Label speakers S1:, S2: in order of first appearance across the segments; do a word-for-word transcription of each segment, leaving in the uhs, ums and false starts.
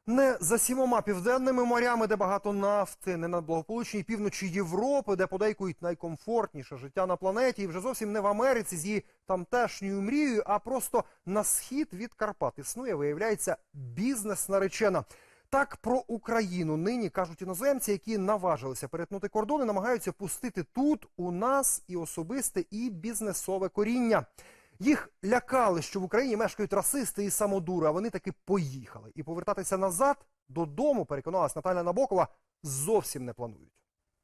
S1: Не за сімома південними морями, де багато нафти, не на благополучній півночі Європи, де подейкують найкомфортніше життя на планеті, і вже зовсім не в Америці з її тамтешньою мрією, а просто на схід від Карпат існує, виявляється, бізнес-наречена. Так про Україну нині кажуть іноземці, які наважилися перетнути кордони, намагаються пустити тут у нас і особисте, і бізнесове коріння. Їх лякали, що в Україні мешкають расисти і самодури, а вони таки поїхали. І повертатися назад, додому, переконалась Наталя Набокова, зовсім не планують.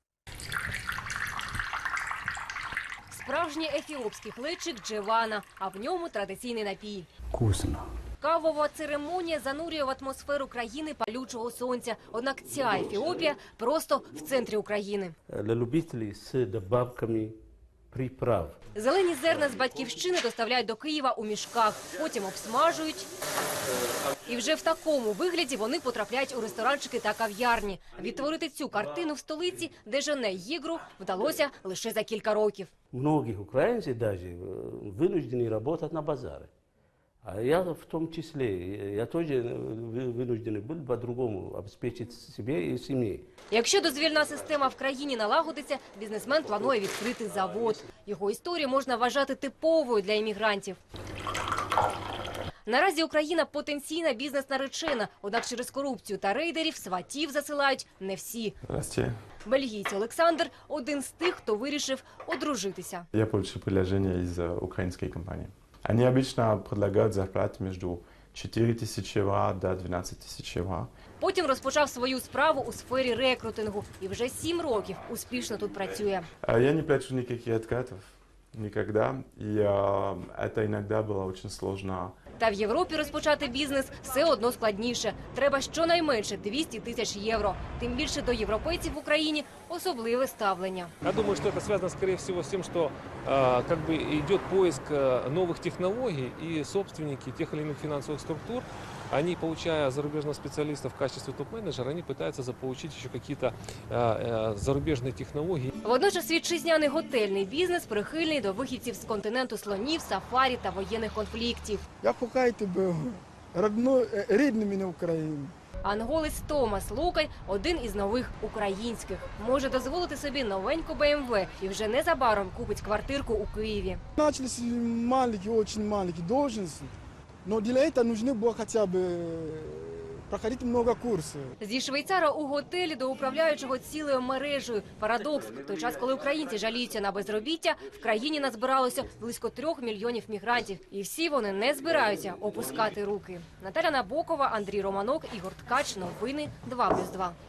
S2: Справжній ефіопський хлебчик джевана, а в ньому традиційний напій.
S3: Вкусно.
S2: Кавова церемонія занурює в атмосферу країни палючого сонця. Однак ця Ефіопія просто в центрі України.
S3: Для любителів з добавками приправ.
S2: Зелені зерна з батьківщини доставляють до Києва у мішках, потім обсмажують. І вже в такому вигляді вони потрапляють у ресторанчики та кав'ярні. Відтворити цю картину в столиці, де жене їгру, вдалося лише за кілька років.
S3: Многих українців навіть вынуждены працювати на базарі. А я в тому числі, я теж вынуждений був по-другому обезпечити себе і сім'ю.
S2: Якщо дозвільна система в країні налагодиться, бізнесмен планує відкрити завод. Його історію можна вважати типовою для іммігрантів. Наразі Україна потенційна бізнес-наречена, однак через корупцію та рейдерів сватів засилають не всі.
S4: Здравствуйте.
S2: Бельгійць Олександр – один з тих, хто вирішив одружитися.
S4: Я получил предложение из украинской компании. Они обычно предлагают зарплату между чотири тисячі євро до дванадцять тисяч євро.
S2: Потім розпочав свою справу у сфері рекрутингу і вже сім років успішно тут працює.
S4: Я не плачу никаких откатов, никогда. И э, это иногда было очень сложно.
S2: Та в Європі розпочати бізнес все одно складніше. Треба щонайменше двісті тисяч євро. Тим більше до європейців в Україні особливе ставлення.
S5: Я думаю, что это связано, скорее всего, с тем, что э, как бы идет поиск э, новых технологий, и собственники тех или иных финансовых структур, они, получая зарубежных специалистов в качестве топ-менеджера, они пытаются заполучить еще какие-то э, э, зарубежные технологии.
S2: Водночас вітчизняний готельний бізнес прихильний до вихідців з континенту слонів, сафарі та воєнних конфліктів.
S6: Я кохаю тебе, родной, рідний мене Україну.
S2: Анголець Томас Лукай – один із нових українських. Може дозволити собі новеньку Бе Ем Ве і вже незабаром купить квартирку у Києві.
S6: Начались маленькие, очень маленькие должности, но для этого нужно было хотя бы проходить много курсов.
S2: Зі швейцара у готелі до управляючого цілою мережею. Парадокс. В той час, коли українці жаліються на безробіття, в країні назбиралося близько трьох мільйонів мігрантів. І всі вони не збираються опускати руки. Наталя Набокова, Андрій Романок, Ігор Ткач. Новини два плюс два.